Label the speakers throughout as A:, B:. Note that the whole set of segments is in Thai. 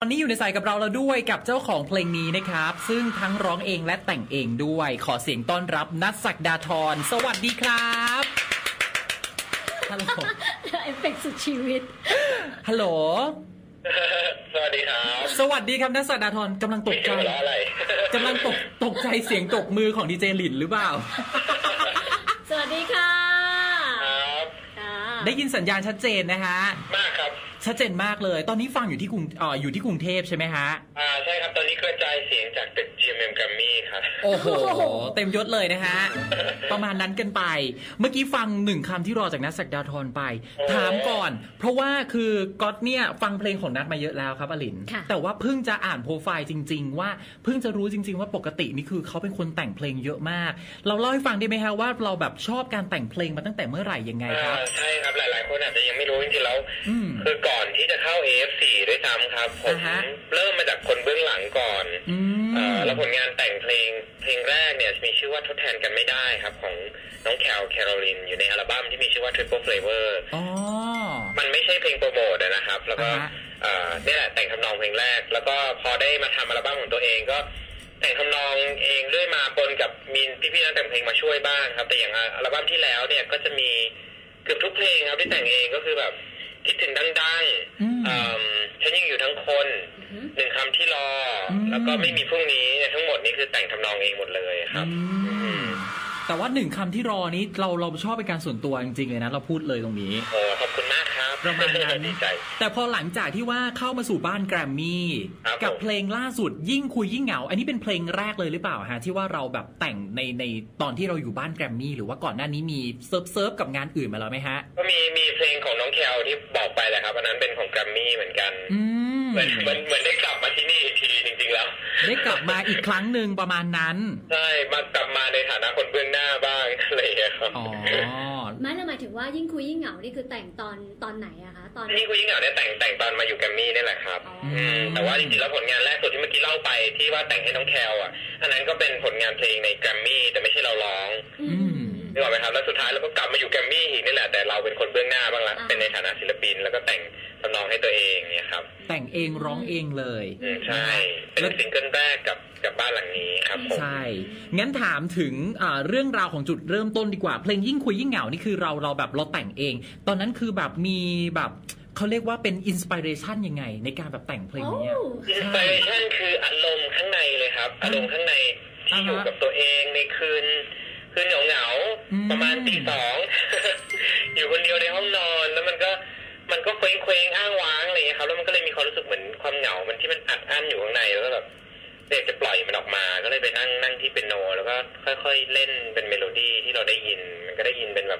A: ตอนนี้อยู่ในสายกับเราแล้วด้วยกับเจ้าของเพลงนี้นะครับซึ่งทั้งร้องเองและแต่งเองด้วยขอเสียงต้อนรับนัท ศักดาธรสวัสดีครับฮัลโหล
B: เอฟเฟกต์สุดชีวิต
A: ฮัลโหล
C: สวัสดีครับ
A: สวัสดีครับนัท ศักดาธรกำลังตกใจ
C: อะไร
A: กำลังตกใจเสียงตกมือของดีเจหลินหรือเปล่า
B: สวัสดีค่ะ
C: ครับ
A: ได้ยินสัญญาณชัดเจนนะฮะ
C: มากครับ
A: ชัดเจนมากเลยตอนนี้ฟังอยู่ที่กรุงเทพใช่ไหมฮะ
C: ใช่ครับตอนนี้กระจายเสียงจากตึก GMM Grammy ครับ
A: โอ้โหเต็มยศเลยนะฮะประมาณนั้นกันไปเมื่อกี้ฟังหนึ่งคำที่รอจากนัท ศักดาธรไปถามก่อนเพราะว่าคือก๊อตเนี่ยฟังเพลงของนัทมาเยอะแล้วครับอลินแต่ว่าเพิ่งจะอ่านโปรไฟล์จริงๆว่าเพิ่งจะรู้จริงๆว่าปกตินี่คือเขาเป็นคนแต่งเพลงเยอะมากเราเล่าให้ฟังได้ไหมฮะว่าเราแบบชอบการแต่งเพลงมาตั้งแต่เมื่อไหร่ยังไงครับ
C: ใช่ครับหลายๆคนอาจจะยังไม่รู้จริงๆแล้วคือก่อนที่จะเข้า AF4 ด้วยซ้ำครับผมเริ่มมาจากคนเบื้องหลังก่อนแล้วผลงานแต่งเพลงแรกเนี่ยมีชื่อว่าทดแทนกันไม่ได้ครับของน้องแคโรลินอยู่ในอัลบั้มที่มีชื่อว่า Triple Flavor มันไม่ใช่เพลงโปรโมทนะครับแล้วก็นี่แหละแต่งทำนองเพลงแรกแล้วก็พอได้มาทำอัลบั้มของตัวเองก็แต่งทำนองเองด้วยมาปนกับมีพี่ๆนักแต่งเพลงมาช่วยบ้างครับแต่อย่างอัลบั้มที่แล้วเนี่ยก็จะมีเกือบทุกเพลงครับที่แต่งเองก็คือแบบคิดถึงดังๆฉันยังอยู่ทั้งคนหนึ่งคำที่รอแล้วก็ไม่มีพรุ่งนี้ทั้งหมดนี้คือแต่งทำนองเองหมดเลยครับ
A: แต่ว่าหนึ่งคำที่รอนี้เราชอบเป็นการส่วนตัวจริงๆเลยนะเราพูดเลยตรงนี้
C: โอ้ขอบคุณมากครับ
A: ประมาณนั้น
C: ดีใจ
A: แต่พอหลังจากที่ว่าเข้ามาสู่บ้านแกรมมี่กับเพลงล่าสุดยิ่งคุยยิ่งเหงาอันนี้เป็นเพลงแรกเลยหรือเปล่าฮะที่ว่าเราแบบแต่งในตอนที่เราอยู่บ้านแกรมมี่หรือว่าก่อนหน้านี้มีเซิร์ฟกับงานอื่นมาแล้วไหมฮะ
C: ก็มีเพลงของน้องแคลที่บอกไปแหละครับอันนั้นเป็นของแกรมมี่เหมือนกันเหมือนได้กลับมาที่นี่อีกทีจริงๆแล้ว
A: ได้กลับมาอีกครั้งหนึ่งประมาณนั้น
C: ใช่มากลับมาในฐานะคนเบื้องหน้าบ้างอะไรอย่างเงี้ยครับ
B: ไม่ละหมายถึงว่ายิ่งคุยยิ่งเหงานี่คือแต่งตอนไหนอะคะตอน
C: ยิ่งคุยยิ่งเหงาเนี่ยแต่งตอนมาอยู่แกรมมี่นี่แหละครับแต่ว่าจริงๆแล้วผลงานแรกสุดที่เมื่อกี้เล่าไปที่ว่าแต่งให้น้องแคลอันนั้นก็เป็นผลงานเพลงในแกรมมี่แต่ไม่ใช่เราร้องนึกออกไหมครับแล้วสุดท้ายเราก็กลับมาอยู่แกรมมี่อีกนี่แหละแต่เราเป็นคนเบื้องหน้าบ้างละเป็นในฐานะศิลปินแล้วก็แต่งทำนองให้ตัวเองเนี่ยครับ
A: แต่งเองร้องเองเลย
C: ใช่เป็นซิงเกิลแรกกับบ้านหลังนี้ครับผม
A: ใช่งั้นถามถึงเรื่องราวของจุดเริ่มต้นดีกว่าเพลงยิ่งคุยยิ่งเหงานี่คือเราแบบเราแต่งเองตอนนั้นคือแบบมีแบบเขาเรียกว่าเป็นอินสปิเรชันยังไงในการแบบแต่งเพลงนี้
C: อินสปิเรชันคืออารมณ์ข้างในเลยครับอารมณ์ข้างในที่อยู่กับตัวเองในคืนเหงาประมาณตี 2 อยู่คนเดียวในห้องนอนแล้วมันก็เคว้งอ้างว้างอะไรอย่างเงี้ยครับแล้วมันก็เลยมีความรู้สึกเหมือนความเหงามันที่มันอัดอั้นอยู่ข้างในแล้วก็แบบเด็กจะปล่อยมันออกมาก็เลยไปนั่งที่เปียโนแล้วก็ค่อยๆเล่นเป็นเมโลดี้ที่เราได้ยินมันก็ได้ยินเป็นแบบ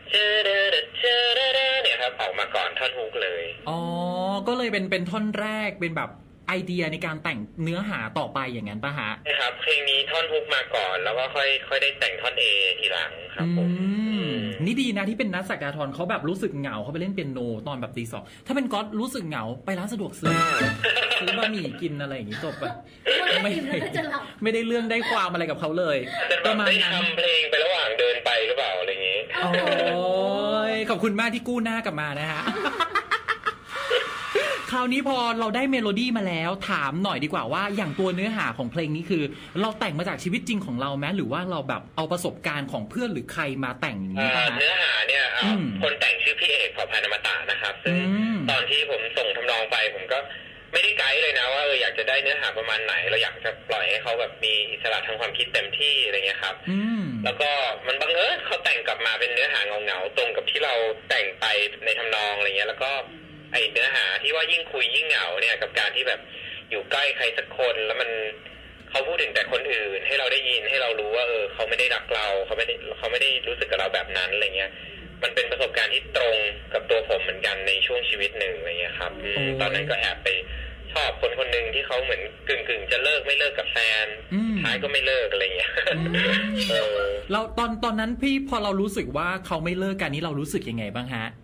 C: เนี่ยครับออกมาก่อนท่อนฮุกเลย
A: อ๋อก็เลยเป็นท่อนแรกเป็นแบบไอเดียในการแต่งเนื้อหาต่อไปอย่างนั้นป่ะฮะ
C: ใช่ครับเพลงนี้ท่อนฮุกมาก่อนแล้วก็ค่อยได้แต่งท่อนเอทีหลังครับผม
A: นี่ดีนะที่เป็นนัท ศักดาธรเขาแบบรู้สึกเหงาเขาไปเล่นเปียโนตอนแบบตี 2ถ้าเป็นก๊อตรู้สึกเหงาไปร้านสะดวกซื้อบะหมี่กินอะไรอย่างนี้จบไปไม่ได้เรื่องได้ความอะไรกับเขาเลย
C: ประมาณนั้นทำเพลงไประหว่างเดินไปหรือเปล่าอะไรอย่างนี้
A: โอ้ยขอบคุณมากที่กู้หน้ากลับมานะฮะคราวนี้พอเราได้เมโลดี้มาแล้วถามหน่อยดีกว่าว่าอย่างตัวเนื้อหาของเพลงนี้คือเราแต่งมาจากชีวิตจริงของเราไหมหรือว่าเราแบบเอาประสบการณ์ของเพื่อนหรือใครมาแต่งอย่างนี้ป่ะ
C: เนื้อหาเนี่ยคนแต่งชื่อพี่เอกเผ่าพันธุ์อมตะนะครับซึ่งตอนที่ผมส่งทำนองไปผมก็ไม่ได้ไกด์เลยนะว่าอยากจะได้เนื้อหาประมาณไหนเราอยากจะปล่อยให้เขาแบบมีอิสระทางความคิดเต็มที่อะไรเงี้ยครับแล้วก็มันบังเอิญเขาแต่งกลับมาเป็นเนื้อหาเงาตรงกับที่เราแต่งไปในทำนองอะไรเงี้ยแล้วก็ไอเนื้อหาที่ว่ายิ่งคุยยิ่งเหงาเนี่ยกับการที่แบบอยู่ใกล้ใครสักคนแล้วมันเขาพูดถึงแต่คนอื่นให้เราได้ยินให้เรารู้ว่าเขาไม่ได้รักเราเขาไม่ได้รู้สึกกับเราแบบนั้นอะไรเงี้ยมันเป็นประสบการณ์ที่ตรงกับตัวผมเหมือนกันในช่วงชีวิตหนึ่งอะไรเงี้ยครับตอนนั้นก็แอบไปชอบคนหนึ่งที่เขาเหมือนกึ่งจะเลิกไม่เลิกกับแฟนท้ายก็ไม่เลิกอะไรเงี้ย
A: เราตอนนั้นพี่พอเรารู้สึกว่าเขาไม่เลิกกันนี้เรารู้สึกยังไงบ้างฮะ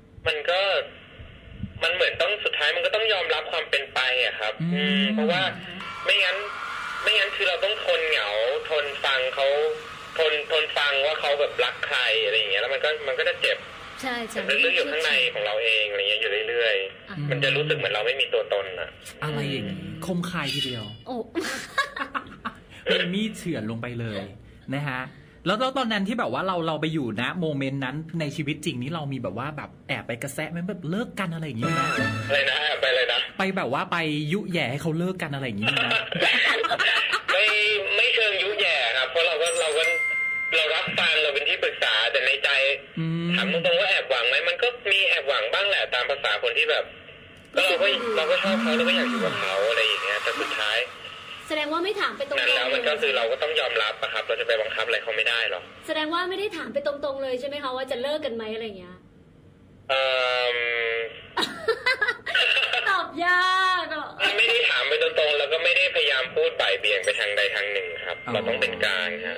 C: มันเหมือนต้องสุดท้ายมันก็ต้องยอมรับความเป็นไปอะครับเพราะว่าไม่งั้นคือเราต้องทนเหงาทนฟังเขาทนฟังว่าเขาแบบรักใครอะไรอย่างเงี้ยแล้วมันก็จะเจ็บ
B: ใช่ใช่
C: ลึกๆอยู่ข้างในของเราเองอะไรเงี้ยอยู่เรื่อยๆมันจะรู้สึกเหมือนเราไม่มีตัวตนอะ
A: อะไรอย่างนี้คมคายทีเดียว
B: โอ้
A: เป็นมีดเฉือนลงไปเลยนะฮะแล้วตอนนั้นที่แบบว่าเราไปอยู่นะโมเมนต์นั้นในชีวิตจริงนี้เรามีแบบว่าแบบแอบไปกระแสะไหมแบบเลิกกันอะไรอย่างนี้นะ
C: อะไรนะไปเลยนะ
A: ไปแบบว่าไปยุแย่ให้เขาเลิกกันอะไรอย่างนี้นะ
C: ไม่เชิงยุแย่ครับเพราะเรารับฟังเราเป็นที่ปรึกษาแต่ในใจถามตรงๆว่าแอบหวังไหมมันก็มีแอบหวังบ้างแหละตามภาษาคนที่แบบก็เราก็ชอบเขาเราก็อยากอยู่กับเขาอะไรอย่างเงี้ยแต่สุดท้าย
B: แสดงว่าไม่ถามไปตรงๆ
C: นั่นแล้วมันก็คือเราก็ต้องยอมรับอะครับเราจะไปบังคับอะไรเขาไม่ได้หรอก
B: แสดงว่าไม่ได้ถามไปตรงๆเลยใช่ไหมคะว่าจะเลิกกันไหมอะไรเงี้ยตอบยากอ่ะ
C: ไม่ได้ถามไปตรงๆแล้วก็ไม่ได้พยายามพูดบ่ายเบี่ยงไปทางใดทางหนึ่งครับเราต้องเป็นกลางครับ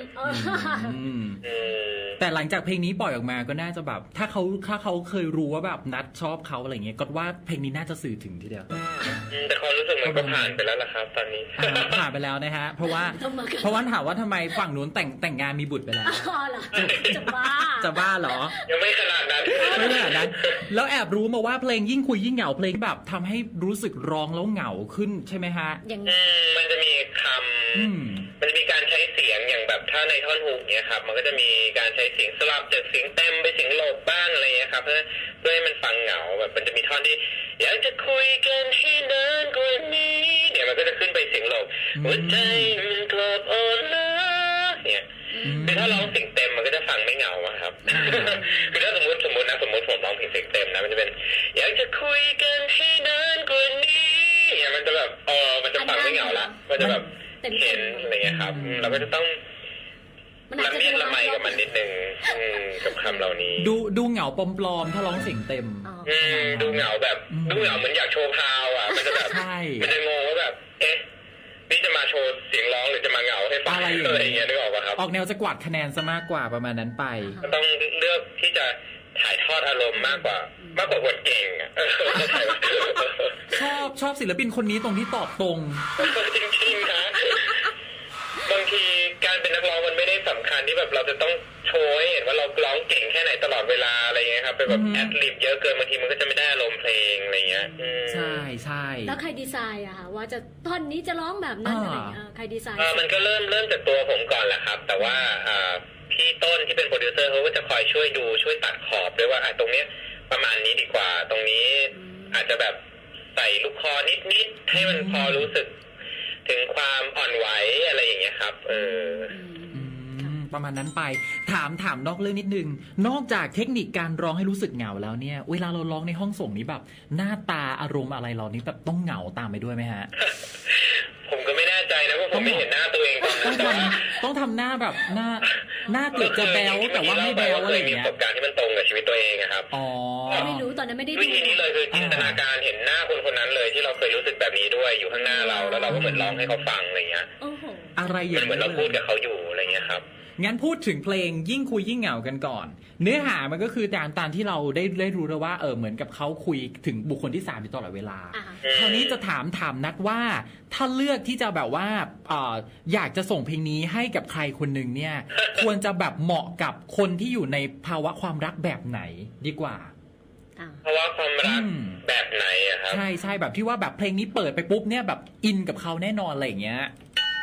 A: แต่หลังจากเพลงนี้ปล่อยออกมาก็น่าจะแบบถ้าเขาเคยรู้ว่าแบบนัดชอบเขาอะไรเงี้ยก็ว่าเพลงนี้น่าจะสื่อถึงทีเดียว
C: แต่ความรู้สึกมันก็ผ่านไปแล้วล่ะครับตอนนี้
A: ผ่านไปแล้วนะฮะเพราะว่าถามว่าทำไมฝั่งนู้นแต่งงานมีบุตรไปแล้ว
B: จะบ้า
A: เหรอ
C: ยังไม่ขนาดนั้น
A: แล้วแอบรู้มาว่าเพลงยิ่งคุยยิ่งเหงาเพลงแบบทำให้รู้สึกร้องแล้วเหงาขึ้นใช่ไหมฮะ
C: มันจะมีคำมันจะมีการใช้เสียงอย่างแบบถ้าในท่อนฮุกเนี่ยครับมันก็จะมีการใช้เสียงสลับจากเสียงเต็มไปเสียงโหลบบ้างอะไรเงี้ยครับเพื่อให้มันฟังเหงาแบบมันจะมีท่อนที่อยากจะคุยกันให้นานกว่านี้เนี่ยมันก็จะขึ้นไปเสียงโหลบหัวใจมันกลับอ่อนล้าเนี่ยคือถ้าร้องเสียงเต็มมันก็จะฟังไม่เหงาครับคือถ้าสมมติผมร้องเพลงเสียงเต็มนะมันจะเป็นอยากจะคุยกันให้นานกว่านี้เนี่ยมันจะแบบมันจะฟังไม่เหงาละมันจะแบบเห็นอะไรเงี้ยครับเราก็จะต้องละเมียดละไมกับมันนิดนึงกับคำเหล่านี้
A: ดูเหงาปลอมๆถ้าร้องเสียงเต็ม
C: ดูเหงาแบบดูเหงาเหมือนอยากโชว์พาวอ่ะมันจะแบบมันจะงงว่าแบบนี่จะมาโชว์เสียงร้องหรือจะมาเหงาให้ฟังอะไรอย่างเงี้ยนึกออกป่ะครับ
A: ออกแนวจะกวาดคะแนนซะมากกว่าประมาณนั้นไป
C: ก็ต้องเลือกที่จะถ่ายทอดอารมณ์มากกว่าบทเก่งอ่ะ
A: ชอบศิลปินคนนี้ตรงที่ตอบตรง
C: จริงๆนะบางทีการเป็นนักร้องมันไม่ได้สำคัญที่แบบเราจะต้องโชว์ให้เห็นว่าเราร้องเก่งแค่ไหนตลอดเวลาอะไรเงี้ยครับเป็นแบบแอดลิบเยอะเกินบางทีมันก็จะไม่ได้อารมณ์เพลงอะไรเงี้ย
A: ใช่
B: แล้วใครดีไซน์อะคะว่าจะท่อนนี้จะร้องแบบนั้นอะไรใครดีไซน์
C: มันก็เริ่มจากตัวผมก่อนแหละครับแต่ว่าพี่ต้นที่เป็นโปรดิวเซอร์เขาก็จะคอยช่วยตัดขอบด้วยว่าตรงเนี้ยประมาณนี้ดีกว่าตรงนี้อาจจะแบบใส่ลูกคอนิดให้มันพอรู้สึกถึงความอ่อนไหวอะไรอย่างเงี้ยครับ
A: ประมาณนั้นไปถามนอกเรื่องนิดนึงนอกจากเทคนิคการร้องให้รู้สึกเหงาแล้วเนี่ยเวลาเราร้องในห้องส่งนี้แบบหน้าตาอารมณ์อะไรเรานี้แบบต้องเหงาตามไปด้วยไหมฮะ
C: ผมก็ไม่แน่ใจนะเพราะผมไม่เห็นหน้าตัวเอง
A: ต้องทำหน้าแบบหน้าเกือบจะแบลแต่ว่าไม่แบลอะไรอย่างเงี้ย
C: ประสบการณ์ที่มันตรงกับชีวิตตัวเองครับ
B: ไม่รู้ตอนนั้นไม่ได้
C: วิธีนี้เลยคือจินตนาการเห็นหน้าคนนั้นเลยที่เราเคยรู้สึกแบบนี้ด้วยอยู่ข้างหน้าเราแล้วเราก็เหมือนร้องให้เขาฟังอะไรเงี้ย
A: อะไรอย่าง
C: เหมือนเราพูดกับเขาอยู่อะไรเงี้ยครับ
A: งั้นพูดถึงเพลงยิ่งคุยยิ่งเหงากันก่อนเนื้อหามันก็คือตามที่เราได้รู้แล้วว่าเหมือนกับเขาคุยถึงบุคคลที่3อยู่ตลอดเวลาคราวนี้จะถามนัดว่าถ้าเลือกที่จะแบบว่าอยากจะส่งเพลงนี้ให้กับใครคนหนึ่งเนี่ยควรจะแบบเหมาะกับคนที่อยู่ในภาวะความรักแบบไหนดีกว่า
C: ภาวะความรักแบบไหนอะครับ
A: ใช่แบบที่ว่าแบบเพลงนี้เปิดไปปุ๊บเนี่ยแบบอินกับเขาแน่นอนอะไรอย่างเงี้ย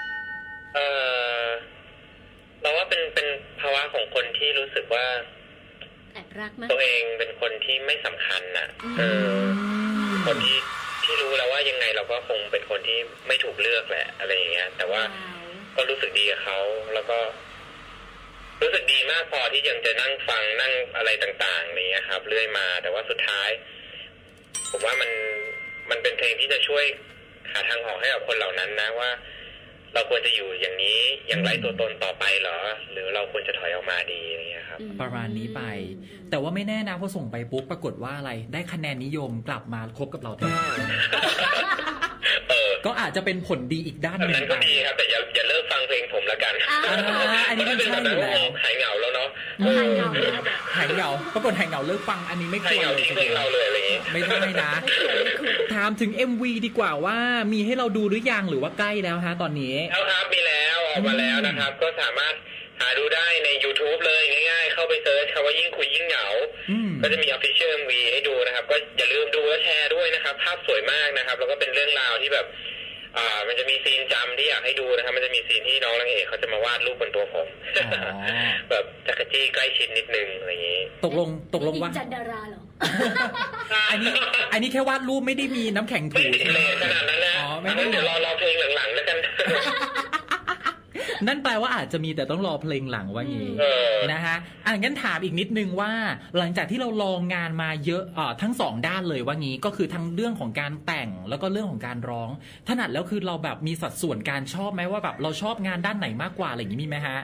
C: เราว่าเป็นภาวะของคนที่รู้สึกว่า
B: แอบรักมั้ย
C: ตัวเองเป็นคนที่ไม่สำคัญน่ะคนที่รู้แล้วว่ายังไงเราก็คงเป็นคนที่ไม่ถูกเลือกแหละอะไรอย่างเงี้ยแต่ว่าก็รู้สึกดีกับเขาแล้วก็รู้สึกดีมากพอที่ยังจะนั่งฟังนั่งอะไรต่างๆอย่างเงี้ยครับเรื่อยมาแต่ว่าสุดท้ายผมว่ามันเป็นเพลงที่จะช่วยหาทางออกให้กับคนเหล่านั้นนะว่าเราควรจะอยู่อย่างนี้อย่างไรตัวตนต่อไปเหรอหรือเราควรจะถอยออกมาดีอะไรเงี้ยครับ
A: ประมาณนี้ไปแต่ว่าไม่แน่นะพอส่งไปปุ๊บปรากฏว่าอะไรได้คะแนนนิยมกลับมาคบกับเราแทนก็อาจจะเป็นผลดีอีกด้านหนึ่ง
C: นั้นก็ดีครับแต่อย่าเลิกฟังเพลงผมละกัน
A: อันนี้เป็นใช่อยู่แล้ว
C: หายเหงาแล้วเนาะ
A: หายเหงาปรากฏหายเหงาเลิกฟังอันนี้ไม่ควร
C: เลยเพลงเราเลยอะไรอย่างงี้
A: ไม่ได้นะถามถึง MV ดีกว่าว่ามีให้เราดูหรือยังหรือว่าใกล้แล้วฮะตอนนี้
C: แล้วครับมีแล้วออกมาแล้วนะครับก็สามารถหาดูได้ใน YouTube เลยง่ายๆเข้าไปเซิร์ชคำว่ายิ่งคุยยิ่งเหงาก็จะมี Official MV ให้ดูนะครับก็อย่าลืมดูและแชร์ด้วยนะครับภาพสวยมากนะครับแล้วก็เป็นเรื่องราวที่แบบมันจะมีซีนจำที่อยากให้ดูนะครับมันจะมีซีนที่น้องนางเอกเขาจะมาวาดรูปบนตัวผมแบบจักรจี้ใกล้ชิดนิดนึงอะไรอย่างนี้
A: ตกลงว่า
B: จันดาราเหรอ
A: อันนี้แค่วาดรูปไม่ได้มีน้ำแข็งถู
C: ใช่ไหมขนาดนั้นนะไม่ได้เดี๋ยวรอเพลงหลังๆแล้วกัน
A: นั่นแปลว่าอาจจะมีแต่ต้องรอเพลงหลังว่างี้นะฮะงั้นถามอีกนิดนึงว่าหลังจากที่เราลองงานมาเยอะทั้งสองด้านเลยว่างี้ก็คือทั้งเรื่องของการแต่งแล้วก็เรื่องของการร้องถนัดแล้วคือเราแบบมีสัดส่วนการชอบไหมว่าแบบเราชอบงานด้านไหนมากกว่าอะไรอย่างนี้มีไหมฮะ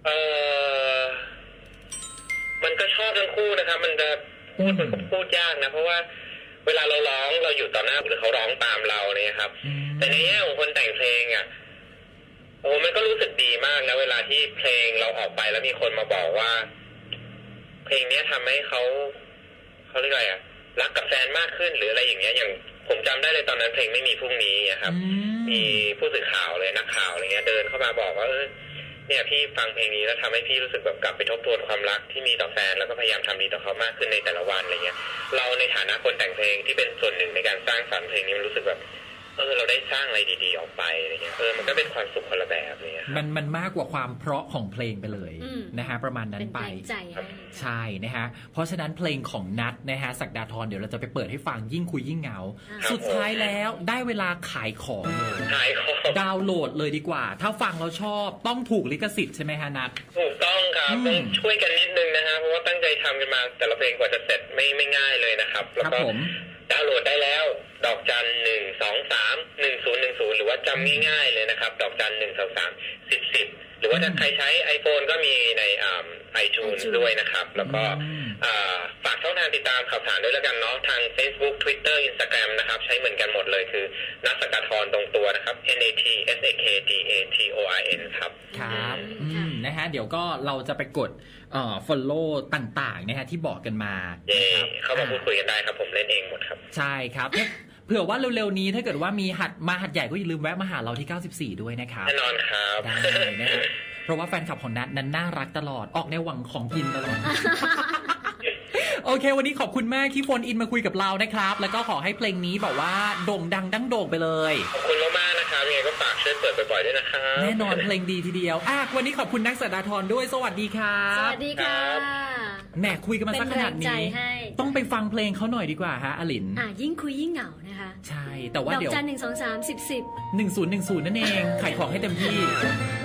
C: มันก็ชอบทั้งคู่นะครับมันจะพูดยากนะเพราะว่าเวลาเราร้องเราอยู่ต่อหน้าหรือเขาร้องตามเราเนี่ยครับแต่ในแง่ของคนแต่งเพลงอ่ะโอ้มันก็รู้สึกดีมากนะเวลาที่เพลงเราออกไปแล้วมีคนมาบอกว่าเพลงนี้ทำให้เขาเรียกอะไรอ่ะรักกับแฟนมากขึ้นหรืออะไรอย่างเงี้ยอย่างผมจำได้เลยตอนนั้นเพลงไม่มีพรุ่งนี้ครับมีผู้สื่อข่าวเลยนักข่าวอะไรเงี้ยเดินเข้ามาบอกว่าเนี่ยพี่ฟังเพลงนี้แล้วทำให้พี่รู้สึกแบบกลับไปทบทวนความรักที่มีต่อแฟนแล้วก็พยายามทำดีต่อเขามากขึ้นในแต่ละวันอะไรเงี้ยเราในฐานะคนแต่งเพลงที่เป็นส่วนหนึ่งในการสร้างสรรค์เพลงนี้มันรู้สึกแบบเราได้สร้างอะไรดีๆออกไปอะไรเงี้ยมันก็เป็นความสุขคนละแบบเลย
A: มันมากกว่าความเพราะของเพลงไปเลยนะฮะประมาณนั้นไปใช่นะฮะเพราะฉะนั้นเพลงของนัทนะฮะศักดาธรเดี๋ยวเราจะไปเปิดให้ฟังยิ่งคุยยิ่งเหงาสุดท้ายแล้วได้เวลาขายของดาวน์โหลดเลยดีกว่าถ้าฟังแล้วชอบต้องถูกลิขสิทธิ์ใช่ไหมฮะนัท
C: ถูกต้องครับต้องช่วยกันนิดนึงนะฮะเพราะว่าตั้งใจทำกันมาแต่ละเพลงกว่าจะเสร็จไม่ง่ายเลยนะครับแล้วก็ดาวน์โหลดได้แล้วดอกจัน1231010หรือว่าจำง่ายๆเลยนะครับดอกจัน12310หรือว่าถ้าใครใช้ iPhone ก็มีในiTunes ด้วยนะครับแล้วก็ฝากช่องทางติดตามข่าวสารด้วยแล้วกันเนาะทาง Facebook Twitter Instagram นะครับใช้เหมือนกันหมดเลยคือนัท ศักดาธรตรงตัวนะครับ NATSAKDATORN ครับ
A: ครับนะฮะเดี๋ยวก็เราจะไปกดfollow ต่างๆนะฮะที่บอกกันมา
C: เข้ามาพูดคุยกันได้ครับผมเล่นเองหมดครับ
A: ใช่ครับเผื่อว่าเร็วๆนี้ถ้าเกิดว่ามีหัดใหญ่ก็อย่าลืมแวะมาหาเราที่94ด้วยนะครับ
C: แน่นอนครับ
A: ได้นะฮะเพราะว่าแฟนคลับของนัทนั้นน่ารักตลอดออกในหวังของกินตลอดโอเควันนี้ขอบคุณมากที่โฟนอินมาคุยกับเรานะครับแล้วก็ขอให้เพลงนี้แบบว่าโด่งดังดั้งโด่งไปเลย
C: ขอบคุณมากๆนะครับยังไงก็ฝากช่วยเปิดบ่อยๆด้วยนะครับ
A: แน่นอนเพลงดีทีเดียววันนี้ขอบคุณนัท ศักดาธรด้วยสวัสดีครับ
B: สวัสดีค่ะ
A: แหมคุยกันมาสักขนาดนี้ต้องไปฟังเพลงเขาหน่อยดีกว่าฮะอลิน
B: ยิ่งคุยยิ่งเหงานะคะ
A: ใช่แต่ว่าเดี๋ยว
B: ดอกจัน1231010
A: นั่นเองขายของให้เต็มที่